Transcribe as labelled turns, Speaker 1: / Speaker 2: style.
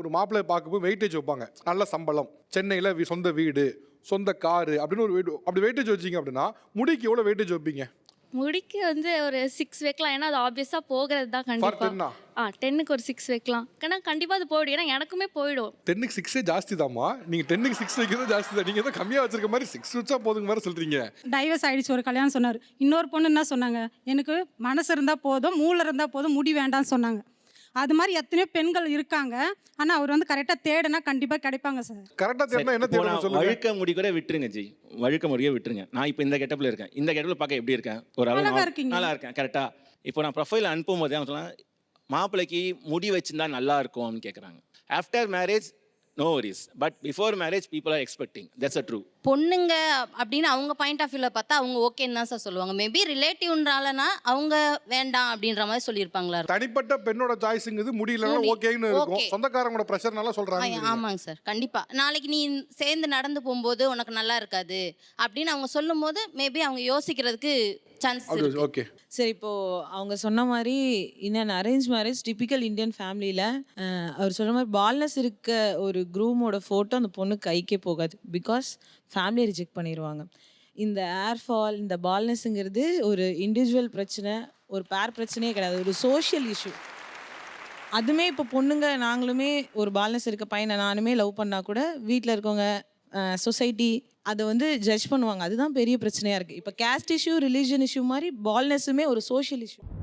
Speaker 1: ஒரு மாப்பிள்ளையை பார்க்கும்போது வெயிட்டேஜ் வைப்பாங்க. நல்ல சம்பளம், சென்னையில் சொந்த வீடு, சொந்த காரு அப்படின்னு ஒரு அப்படி வெயிட்டேஜ் வச்சிங்க அப்படின்னா முடிக்கு எவ்வளோ வெயிட்டேஜ் வைப்பீங்க?
Speaker 2: முடிக்கு வந்து ஒரு 6 வைக்கலாம். ஏன்னா அது ஆப்வியஸாக போகிறது தான்
Speaker 1: ஃபார்
Speaker 2: கண்டிப்பாக.
Speaker 1: 10ஆ?
Speaker 2: 10க்கு ஒரு 6 வைக்கலாம். ஏன்னா கண்டிப்பாக அது போயிடும். ஏன்னா எனக்குமே போயிடும்.
Speaker 1: 10க்கு 6 ஜாஸ்தி தாம்மா. நீங்கள் 10க்கு 6 வைக்கிறது ஜாஸ்தி தான். நீங்கள் தான் கம்மியாக வச்சிருக்க மாதிரி 6 வச்சா போதுங்க வேறு சொல்கிறீங்க.
Speaker 3: டைவர்ஸ் ஆயிடுச்சு, ஒரு கல்யாணம் சொன்னார். இன்னொரு பொண்ணு என்ன சொன்னாங்க, எனக்கு மனசு இருந்தால் போதும், மூளை இருந்தால் போதும், முடி வேண்டாம்னு சொன்னாங்க. அது மாதிரி எத்தனையோ பெண்கள் இருக்காங்க. ஆனால் அவர் வந்து கரெக்டாக தேடினா கண்டிப்பாக கிடைப்பாங்க சார்.
Speaker 1: கரெக்டாக தேடினா என்ன தேடணும் சொல்லுங்க.
Speaker 4: வழுக்க முடி கூட விட்டுருங்க ஜி, வழுக்க முடியே விட்டுருங்க. நான் இப்போ இந்த கெட்டப்பில் இருக்கேன், இந்த கெட்டப்பில் பார்க்க எப்படி இருக்கேன்? ஒரு
Speaker 3: அழகா இருக்கீங்க.
Speaker 4: நல்லா இருக்கேன் கரெக்டாக. இப்போ நான் ப்ரொஃபைல் அனுப்பும் போதே அவங்க சொன்னால் மாப்பிள்ளைக்கு முடி வச்சுருந்தா நல்லா இருக்கும்னு கேட்குறாங்க. After marriage no worries, but before marriage people are expecting. That's a true.
Speaker 5: பொண்ணுங்க அப்படின்னு அவங்க பாயிண்ட் ஆஃப் வியூவில் பார்த்தா அவங்க ஓகேன்னு தான் சார் சொல்லுவாங்க. மேபி ரிலேட்டிவ்ன்றாலனா அவங்க வேண்டாம் அப்படின்ற மாதிரி சொல்லியிருப்பாங்களா இருக்கும்.
Speaker 1: தனிப்பட்ட பெண்ணோட சாய்ஸுங்கிறது முடியலன்னா ஓகேன்னு இருக்கும்.
Speaker 5: Okay.
Speaker 1: சொந்தக்காரங்களோட ப்ரெஷர்னால சொல்கிறாங்க.
Speaker 5: ஆமாங்க சார், கண்டிப்பாக. நாளைக்கு நீ சேர்ந்து நடந்து போகும்போது உனக்கு நல்லா இருக்காது அப்படின்னு அவங்க சொல்லும் போது மேபி அவங்க யோசிக்கிறதுக்கு சான்ஸ் இருக்கு.
Speaker 1: ஓகே
Speaker 6: சரி, இப்போது அவங்க சொன்ன மாதிரி in arrange marriage typical Indian ஃபேமிலியில் அவர் சொன்ன மாதிரி பால்னஸ் இருக்க ஒரு க்ரூமோட ஃபோட்டோ அந்த பொண்ணு கைக்கே போகாது. பிகாஸ் ஃபேமிலியை ரிஜெக்ட் பண்ணிடுவாங்க. இந்த ஏர் ஃபால், இந்த பால்னஸ்ங்கிறது ஒரு இண்டிவிஜுவல் பிரச்சனை, ஒரு பேர் பிரச்சனையே கிடையாது, ஒரு சோஷியல் இஷ்யூ. அதுவுமே இப்போ பொண்ணுங்க நாங்களுமே ஒரு பால்னஸ் இருக்க பையனை நானுமே லவ் பண்ணால் கூட வீட்டில் இருக்கவங்க, சொசைட்டி அதை வந்து ஜட்ஜ் பண்ணுவாங்க. அதுதான் பெரிய பிரச்சனையாக இருக்குது. இப்போ கேஸ்ட் இஷ்யூ, ரிலீஜன் இஷ்யூ மாதிரி பால்னஸுமே ஒரு சோஷியல் இஷ்யூ.